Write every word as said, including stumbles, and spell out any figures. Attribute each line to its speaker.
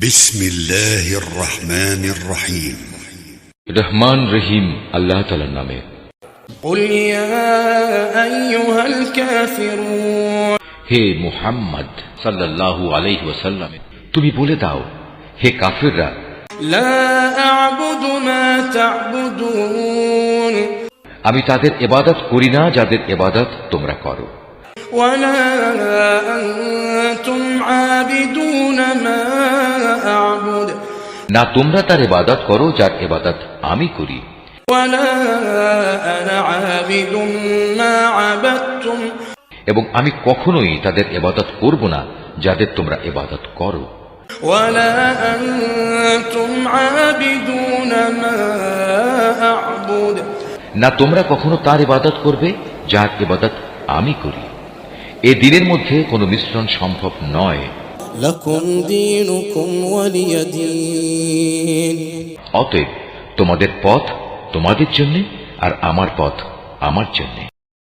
Speaker 1: বিসমিল্লাহির রহমানির রহিম।
Speaker 2: রহমান রহিম আল্লাহ তাআলার নামে।
Speaker 3: কুল ইয়া আইয়ুহাল কাফিরুন,
Speaker 2: হে মুহাম্মদ সাল্লাল্লাহু আলাইহি ওয়াসাল্লাম, তুমি বলে দাও, হে কাফিররা,
Speaker 3: লা আ'বুদু মা তা'বুদুন,
Speaker 2: আমি তাদের ইবাদত করি না যাদের ইবাদত তোমরা করো।
Speaker 3: ওয়ালা আনতুম আবিদুন মা আ'বুদ,
Speaker 2: না তোমরা তার ইবাদত করো যার ইবাদত আমি করি।
Speaker 3: ওয়ালা আনা আবিদুম মা আবাদতুম,
Speaker 2: এবং আমি কখনোই তাদের ইবাদত করব না যাদের তোমরা ইবাদত করো।
Speaker 3: ওয়ালা আনতুম আবিদুন মা আ'বুদ,
Speaker 2: না তোমরা কখনো তার ইবাদত করবে যার ইবাদত আমি করি। এ দিনের মধ্যে কোনো মিশ্রণ সম্ভব নয়।
Speaker 3: লাকুম দীনুকুম ওয়ালিয়া দীন,
Speaker 2: অতএব তোমাদের পথ তোমাদের জন্য আর আমার পথ আমার জন্য।